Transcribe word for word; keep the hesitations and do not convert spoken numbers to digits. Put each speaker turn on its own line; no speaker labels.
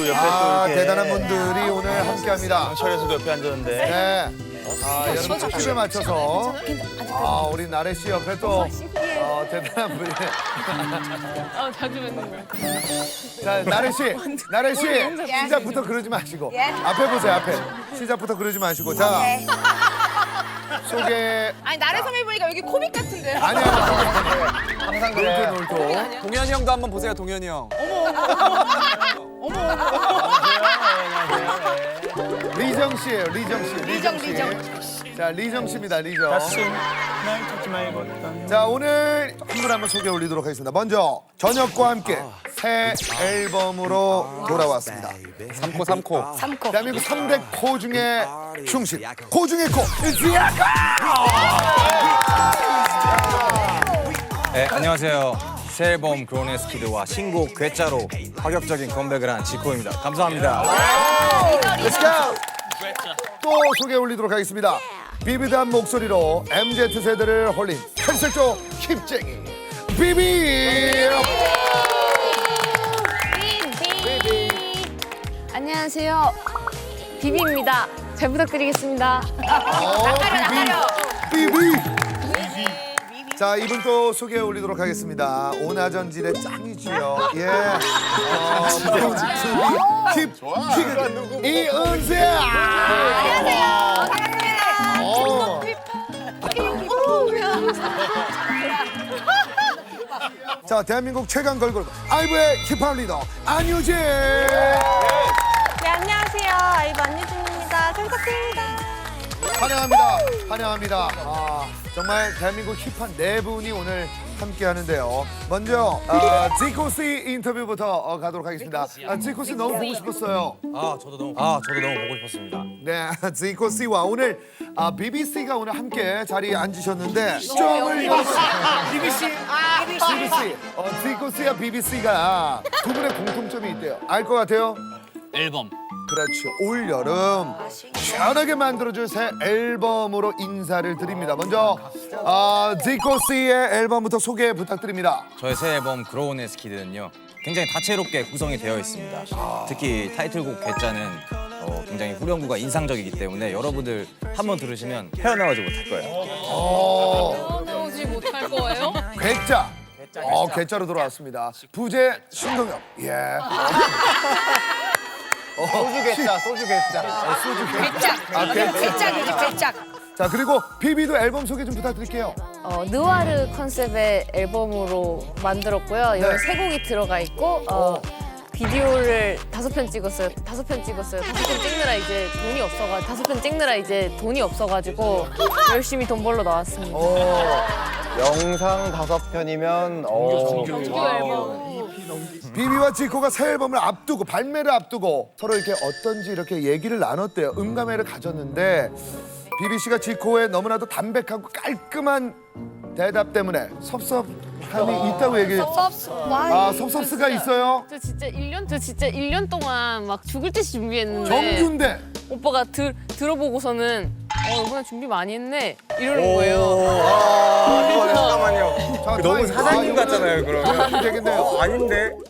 또 옆에
아,
또 이렇게
대단한 분들이 오늘 함께합니다.
철에서도 옆에 앉았는데.
네. 아, 여러분 춤에 맞춰서 아, 우리 나래 씨 옆에 또 어, 대단한 분이.
아, 자주 뵙는 거야.
자, 나래 씨, 나래 씨 시작부터 그러지 마시고 앞에 보세요, 앞에. 시작부터 그러지 마시고 자 소개.
아니, 나래 선배 보니까 여기 코믹 같은데.
아니야,
항상 그래.
놀토 놀토.
동현이 형도 한번 보세요, 동현이 형.
리정 씨예요, 리정 씨.
리정,
씨.
리정.
자, 리정 씨입니다, 리정.
다시 날 찾지 말고 던
자, 오늘 한 분 한 분 소개 올리도록 하겠습니다. 먼저 저녁과 함께 새 앨범으로 돌아왔습니다.
삼코 삼코.
삼코.
대한민국 삼 대 코 중에 충신, 코 중에 코, 지아카!
네, 안녕하세요. 새 앨범 그로네스 키드와 신곡 괴짜로 파격적인 컴백을 한 지코입니다. 감사합니다.
Let's go! 또 소개 올리도록 하겠습니다. 비비드한 목소리로 엠지 세대를 홀린 탈색조 힙쟁이 비비!
안녕하세요. 비비입니다. 잘 부탁드리겠습니다.
어, 비비! 비비! 자, 이분 또 소개 올리도록 하겠습니다. 오나전질의 짱이지요. 예. 어, 힙, 힙, 이은세! 안녕하세요. 반갑습니다. 어. 자, 대한민국 최강 걸그룹 아이브의 힙합 리더 안유진.
네, 안녕하세요. 아이브 안유진입니다. 잘 부탁드립니다.
환영합니다. 환영합니다. 아, 정말 대한민국 힙한 네 분이 오늘 함께 하는데요. 먼저 어, 지코 씨 인터뷰부터 어, 가도록 하겠습니다. 아, 지코 씨 너무 보고 싶었어요.
아, 저도 너무 아, 저도 너무 보고 싶었습니다.
네, 지코 씨와 오늘 아, 비비 씨가 오늘 함께 자리에 앉으셨는데 점을 비비 씨, 비비 씨, 어, 지코 씨와 비비 씨가 두 분의 공통점이 있대요. 알 것 같아요?
앨범.
그렇죠. 올 여름 시원하게 만들어줄 새 앨범으로 인사를 드립니다. 먼저 아, 지코 씨의 앨범부터 소개 부탁드립니다.
저의 새 앨범 그로네스 키드는요. 굉장히 다채롭게 구성이 되어 있습니다. 특히 타이틀곡 괴짜는 어, 굉장히 후렴구가 인상적이기 때문에 여러분들 한번 들으시면 헤어나오지 못할 거예요.
어,
나오지 못할 거예요?
괴짜. 어, 괴짜로 돌아왔습니다. 부제 신동엽. 예.
소주 괴짜, 소주 괴짜.
괴짝.
아, 괴짜.
괴짝이지, 괴짝.
자, 그리고 비비도 앨범 소개 좀 부탁드릴게요.
어, 느와르 컨셉의 앨범으로 만들었고요. 여기 세 곡이 들어가 있고 어, 비디오를 다섯 편 찍었어요. 다섯 편 찍었어요. 다섯 편 찍느라 이제 돈이 없어가지고 다섯 편 찍느라 이제 돈이 없어가지고 열심히 돈 벌러 나왔습니다.
어,
영상 다섯 편이면 어,
정규 앨범.
비비와 지코가 새 앨범을 앞두고 발매를 앞두고 서로 이렇게 어떤지 이렇게 얘기를 나눴대요. 음감회를 가졌는데 비비 씨가 지코의 너무나도 담백하고 깔끔한 대답 때문에 섭섭함이 있다고 얘기. 아, 섭섭스가 있어요.
저 진짜 일 년, 저 진짜 일 년 동안 막 죽을 듯이 준비했는데
정규인데.
오빠가 들, 들어보고서는 어, 이번에 준비 많이 했네 이러는 거예요.
아,
잠깐만요.
자,
너무
타임.
사장님
아,
같잖아요,
이거는
그러면.
되겠네요.
아닌데.